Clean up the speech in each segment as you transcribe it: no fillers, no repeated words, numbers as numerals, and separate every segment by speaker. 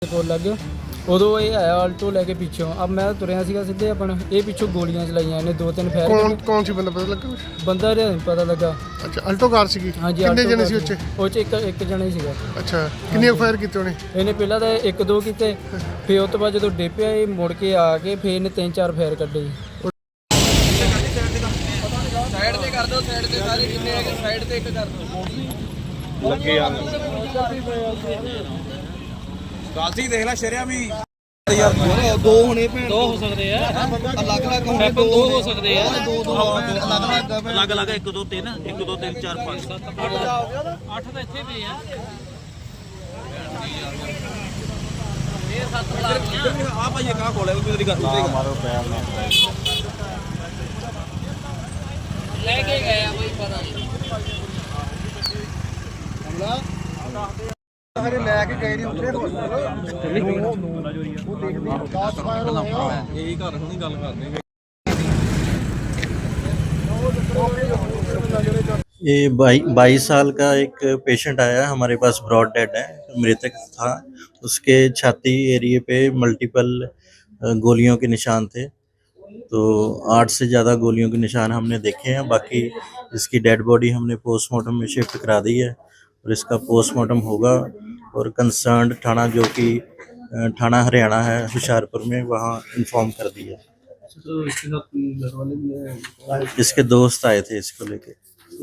Speaker 1: ਕੋਲ ਲੱਗ ਗਿਆ ਉਦੋਂ ਇਹ ਆਇਆ ਆਲਟੋ ਲੈ ਕੇ ਪਿੱਛੋਂ। ਅਬ ਮੈਂ ਤੁਰਿਆ ਸੀਗਾ ਸਿੱਧੇ ਆਪਣਾ, ਇਹ ਪਿੱਛੋਂ ਗੋਲੀਆਂ ਚਲਾਈਆਂ ਇਹਨੇ, 2-3 ਫਾਇਰ।
Speaker 2: ਕੌਣ ਸੀ ਬੰਦਾ, ਪਤਾ ਲੱਗਾ ਕੁਛ?
Speaker 1: ਬੰਦਾ ਰਿਹਾ ਨਹੀਂ ਪਤਾ ਲੱਗਾ।
Speaker 2: ਅੱਛਾ, ਆਲਟੋ ਕਾਰ ਸੀਗੀ।
Speaker 1: ਹਾਂਜੀ,
Speaker 2: ਕਿੰਨੇ ਜਣੇ ਸੀ ਉੱਚ?
Speaker 1: ਉਹ 'ਚ ਇੱਕ ਜਣਾ ਹੀ ਸੀਗਾ।
Speaker 2: ਅੱਛਾ, ਕਿੰਨੇ ਫਾਇਰ ਕੀਤੇ ਉਹਨੇ?
Speaker 1: ਇਹਨੇ ਪਹਿਲਾਂ ਤਾਂ 1-2 ਕੀਤੇ, ਫਿਰ ਉਸ ਤੋਂ ਬਾਅਦ ਜਦੋਂ ਡੇਪਿਆ ਇਹ ਮੁੜ ਕੇ ਆ ਕੇ ਫਿਰ ਇਹਨੇ 3-4 ਫਾਇਰ ਕੱਢੇ ਜੀ।
Speaker 3: ਸਾਈਡ ਤੇ ਕਰ ਦਿਓ, ਸਾਈਡ ਤੇ ਸਾਰੇ ਜਿੰਨੇ ਹੈਗੇ ਸਾਈਡ ਤੇ ਇੱਕ ਕਰ ਦਿਓ। ਲੱਗੇ ਆ ਗਾਲਤੀ ਦੇਖ ਲੈ ਸ਼ਰਿਆ ਵੀ ਯਾਰ, ਦੋ ਹੋਣੇ ਭੈਣ, ਦੋ ਹੋ ਸਕਦੇ ਆ ਅਲੱਗ ਅਲੱਗ ਹੋਣੇ, ਦੋ ਹੋ ਸਕਦੇ ਆ, ਦੋ ਅਲੱਗ ਅਲੱਗ 1 2 3 1 2 3 4 5 7 8 ਤਾਂ ਇੱਥੇ ਪਏ ਆ। ਇਹ 7 ਆ ਭਾਈ ਕਾ ਕੋਲੇ ਕੋਈ ਦੀ ਕਰ ਦੂਗਾ ਮਾਰੋ ਪੈਰ ਨਾਲ ਲੈ ਕੇ ਗਏ ਆ, ਕੋਈ ਪਤਾ ਨਹੀਂ
Speaker 2: ਹਰੇ ਲੈ ਕੇ ਗਏ ਨਹੀਂ ਉੱਥੇ
Speaker 3: ਇਹੀ ਘਰ ਹੁਣੀ ਗੱਲ ਕਰਦੇ।
Speaker 4: ये 22 साल का एक पेशेंट आया हमारे पास, ब्रॉड डेड है, मृतक था। उसके छाती एरिए पे मल्टीपल गोलियों के निशान थे, तो 8 से ज़्यादा गोलियों के निशान हमने देखे हैं। बाकी इसकी डेड बॉडी हमने पोस्टमार्टम में शिफ्ट करा दी है और इसका पोस्टमार्टम होगा। और कंसर्न्ड थाना जो कि थाना हरियाणा है हुशियारपुर में, वहाँ इन्फॉर्म कर दिया।
Speaker 3: तो इसके साथ कोई घर वाले भी हैं?
Speaker 4: इसके दोस्त आए थे इसको लेके।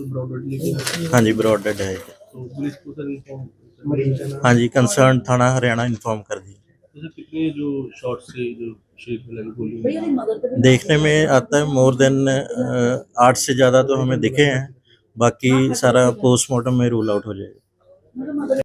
Speaker 4: हाँ जी, ब्रॉड डेड है।
Speaker 3: तो पुलिस को सर इन्फॉर्म?
Speaker 4: हाँ जी, कंसर्न थाना हरियाणा इन्फॉर्म कर दिया।
Speaker 3: जैसे कितने जो शॉट से जो शरीर में लगी गोली?
Speaker 4: देखने में आता है मोर देन 8 से ज़्यादा तो हमें दिखे हैं, बाकी सारा पोस्टमार्टम में रूल आउट हो जाएगा।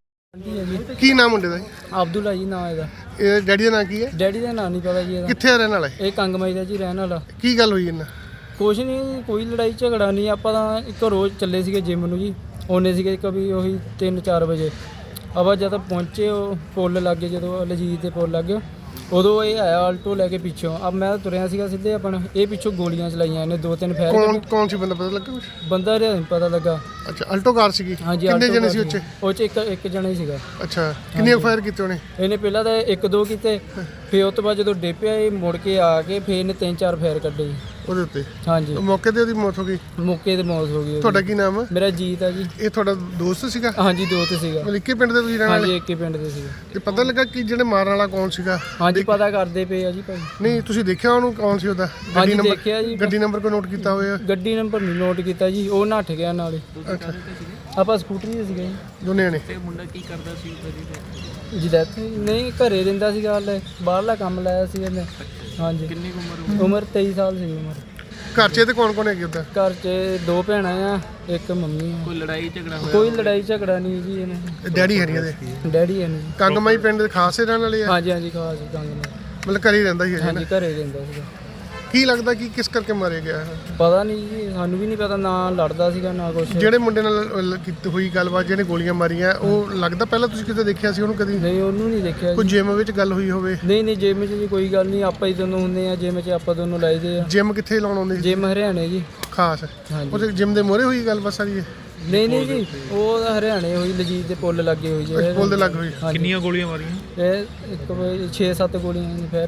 Speaker 2: ਕੀ ਨਾਮ ਮੁੰਡੇ ਦਾ?
Speaker 1: ਅਬਦੁੱਲਾ ਜੀ ਨਾਂ ਇਹਦਾ।
Speaker 2: ਇਹ ਡੈਡੀ ਦਾ ਨਾਂ ਕੀ ਹੈ?
Speaker 1: ਡੈਡੀ ਦਾ ਨਾਂ ਨਹੀਂ ਪਤਾ ਜੀ ਇਹਦਾ।
Speaker 2: ਕਿੱਥੇ ਰਹਿਣ ਵਾਲਾ ਹੈ?
Speaker 1: ਇਹ ਕੰਗਮਾਈ ਦਾ ਜੀ ਰਹਿਣ ਵਾਲਾ।
Speaker 2: ਕੀ ਗੱਲ ਹੋਈ ਇਹਨਾਂ?
Speaker 1: ਕੁਛ ਨਹੀਂ, ਕੋਈ ਲੜਾਈ ਝਗੜਾ ਨਹੀਂ। ਆਪਾਂ ਤਾਂ ਇੱਕ ਰੋਜ਼ ਚੱਲੇ ਸੀਗੇ ਜਿਮ ਨੂੰ ਜੀ, ਆਉਂਦੇ ਸੀਗੇ ਕभी ਉਹੀ 3-4 ਵਜੇ। ਆਪਾਂ ਜਦ ਪਹੁੰਚੇ ਉਹ ਪੁੱਲ ਲੱਗੇ, ਜਦੋਂ ਲਜੀਤ ਦੇ ਪੁੱਲ ਲੱਗੇ ਉਦੋਂ ਇਹ ਆਇਆ ਆਲਟੋ ਲੈ ਕੇ ਪਿੱਛੋਂ। ਅਬ ਮੈਂ ਤੁਰਿਆ ਸੀਗਾ ਸਿੱਧੇ ਆਪਣਾ, ਇਹ ਪਿੱਛੋਂ ਗੋਲੀਆਂ ਚਲਾਈਆਂ ਇਹਨੇ, 2-3 ਫਾਇਰ।
Speaker 2: ਕੌਣ ਸੀ ਬੰਦਾ, ਪਤਾ ਲੱਗਾ ਕੁਛ?
Speaker 1: ਬੰਦਾ ਰਿਹਾ ਨਹੀਂ ਪਤਾ ਲੱਗਾ।
Speaker 2: ਅੱਛਾ, ਆਲਟੋ ਕਾਰ ਸੀਗੀ।
Speaker 1: ਹਾਂਜੀ,
Speaker 2: ਕਿੰਨੇ ਜਣੇ ਸੀ ਉੱਚ?
Speaker 1: ਉਹ 'ਚ ਇੱਕ ਜਣਾ ਹੀ ਸੀਗਾ।
Speaker 2: ਅੱਛਾ, ਕਿੰਨੇ ਫਾਇਰ ਕੀਤੇ ਉਹਨੇ?
Speaker 1: ਇਹਨੇ ਪਹਿਲਾਂ ਤਾਂ 1-2 ਕੀਤੇ, ਫਿਰ ਉਸ ਤੋਂ ਬਾਅਦ ਜਦੋਂ ਡੇਪਿਆ ਇਹ ਮੁੜ ਕੇ ਆ ਕੇ ਫਿਰ ਇਹਨੇ 3-4 ਫਾਇਰ ਕੱਢੇ ਜੀ।
Speaker 2: ਉਹਦੇ ਉੱਤੇ
Speaker 1: ਹਾਂਜੀ,
Speaker 2: ਮੌਕੇ ਤੇ ਉਹਦੀ ਮੌਤ ਹੋ ਗਈ।
Speaker 1: ਮੌਕੇ ਤੇ ਮੌਤ ਹੋ ਗਈ।
Speaker 2: ਤੁਹਾਡਾ ਕੀ ਨਾਮ ਹੈ?
Speaker 1: ਮੇਰਾ ਜੀਤ ਆ ਜੀ।
Speaker 2: ਇਹ ਤੁਹਾਡਾ ਦੋਸਤ ਸੀਗਾ?
Speaker 1: ਹਾਂਜੀ, ਦੋਸਤ ਸੀਗਾ।
Speaker 2: ਮਤਲਬ ਇੱਕੇ ਪਿੰਡ ਦੇ ਤੁਸੀਂ ਰਹਿਣ
Speaker 1: ਹਾਂਜੀ,
Speaker 2: ਵਾਲੇ?
Speaker 1: ਇੱਕ ਹੀ ਪਿੰਡ ਦੇ ਸੀਗੇ।
Speaker 2: ਤੇ ਪਤਾ ਲੱਗਾ ਕਿ ਜਿਹੜੇ ਮਾਰਨ ਵਾਲਾ ਕੌਣ ਸੀਗਾ?
Speaker 1: ਹਾਂਜੀ, ਪਤਾ ਕਰਦੇ ਪਏ ਆ ਜੀ ਭਾਈ।
Speaker 2: ਨਹੀਂ, ਤੁਸੀਂ ਦੇਖਿਆ ਉਹਨੂੰ ਕੌਣ ਸੀ? ਉਹਦਾ
Speaker 1: ਹਾਂਜੀ, ਦੇਖਿਆ ਜੀ।
Speaker 2: ਗੱਡੀ ਨੰਬਰ ਕੋਈ ਨੋਟ ਕੀਤਾ ਹੋਇਆ?
Speaker 1: ਗੱਡੀ ਨੰਬਰ ਨਹੀਂ ਨੋਟ ਕੀਤਾ ਜੀ, ਉਹ ਨੱਠ ਗਿਆ ਨਾਲੇ।
Speaker 2: ਅੱਛਾ,
Speaker 1: ਆਪਾਂ ਸਕੂਟਰੀ ਤੇ ਸੀਗੇ ਜੀ।
Speaker 2: ਦੋਨੇ ਨੇ?
Speaker 3: ਤੇ ਮੁੰਡਾ ਕੀ ਕਰਦਾ ਸੀ
Speaker 1: ਜੀ ਡੈਥ ਨਹੀਂ, ਘਰੇ ਰਹਿੰਦਾ ਸੀਗਾ, ਹਲੇ ਬਾਹਰਲਾ ਕੰਮ ਲਾਇਆ ਸੀ ਇਹਨੇ। ਹਾਂਜੀ।
Speaker 3: ਕਿੰਨੀ ਉਮਰ?
Speaker 1: ਉਮਰ 23 ਸਾਲ ਸੀ ਉਮਰ।
Speaker 2: ਘਰ 'ਚ ਤੇ ਕੌਣ ਹੈਗੇ ਉਹਦਾ?
Speaker 1: ਘਰ 'ਚ 2 ਭੈਣਾਂ ਆ, ਇੱਕ ਮੰਮੀ ਆ।
Speaker 3: ਕੋਈ ਲੜਾਈ ਝਗੜਾ ਹੋਇਆ?
Speaker 1: ਕੋਈ ਲੜਾਈ ਝਗੜਾ ਨਹੀਂ ਜੀ ਇਹਨਾਂ।
Speaker 2: ਡੈਡੀ ਹਰੀਆਂ ਦੇ?
Speaker 1: ਡੈਡੀ ਹੈ ਨਹੀਂ।
Speaker 2: ਕੰਗਮਾਈ ਪਿੰਡ ਦੇ ਖਾਸ ਰਹਿਣ ਵਾਲੇ ਆ?
Speaker 1: ਹਾਂਜੀ ਹਾਂਜੀ, ਖਾਸ ਕੰਗ ਨਾਲ।
Speaker 2: ਮਤਲਬ ਘਰੇ ਹੀ ਰਹਿੰਦਾ ਸੀ?
Speaker 1: ਹਾਂਜੀ, ਘਰੇ ਰਹਿੰਦਾ ਸੀਗਾ।
Speaker 2: ਕੀ ਲੱਗਦਾ ਕਿ ਕਿਸ ਕਰਕੇ ਮਾਰਿਆ ਗਿਆ ਹੈ?
Speaker 1: ਪਤਾ ਨਹੀਂ ਜੀ, ਸਾਨੂੰ ਵੀ ਨਹੀਂ ਪਤਾ, ਨਾ ਲੜਦਾ ਸੀਗਾ ਨਾ ਕੁਛ।
Speaker 2: ਜਿਹੜੇ ਮੁੰਡੇ ਨਾਲ ਕੀਤੀ ਹੋਈ ਗੱਲਬਾਤ, ਜਿਹਨੇ ਗੋਲੀਆਂ ਮਾਰੀਆਂ, ਉਹ ਲੱਗਦਾ ਪਹਿਲਾਂ ਤੁਸੀਂ ਕਿਤੇ ਦੇਖਿਆ ਸੀ ਉਹਨੂੰ ਕਦੀ?
Speaker 1: ਨਹੀਂ, ਉਹਨੂੰ ਨਹੀਂ ਦੇਖਿਆ
Speaker 2: ਕੋਈ
Speaker 1: ਜੀ।
Speaker 2: ਜਿਮ ਵਿੱਚ ਗੱਲ ਹੋਈ ਹੋਵੇ?
Speaker 1: ਨਹੀਂ ਨਹੀਂ, ਜਿਮ 'ਚ ਜੀ ਕੋਈ ਗੱਲ ਨਹੀਂ, ਆਪਾਂ ਹੀ ਦੋਨੋਂ ਹੁੰਦੇ ਆ ਜਿਮ 'ਚ, ਆਪਾਂ ਦੋਨੋਂ ਲਾਈਦੇ ਆ।
Speaker 2: ਜਿਮ ਕਿੱਥੇ ਲਾਉਣ ਆਉਂਦੇ ਸੀ?
Speaker 1: ਜਿਮ ਹਰਿਆਣੇ ਜੀ।
Speaker 2: ਖਾਸ
Speaker 1: ਹਾਂਜੀ।
Speaker 2: ਉਹਦੇ ਜਿਮ ਦੇ ਮੋਹਰੇ ਹੋਈ ਗੱਲਬਾਤ ਸਾਰੀ?
Speaker 1: ਨਹੀਂ ਨਹੀਂ ਜੀ, ਉਹ ਤਾਂ ਹਰਿਆਣੇ ਹੋਈ, ਲਜੀਤ ਦੇ ਪੁੱਲ ਲੱਗੇ ਹੋਈ ਜੀ।
Speaker 2: ਪੁੱਲ ਦੇ ਲੱਗ ਹੋਈ?
Speaker 1: ਕਿੰਨੀਆਂ
Speaker 3: ਗੋਲੀਆਂ ਮਾਰੀਆਂ?
Speaker 1: ਇਹ 6-7 ਗੋਲੀਆਂ ਨੇ ਫਿਰ।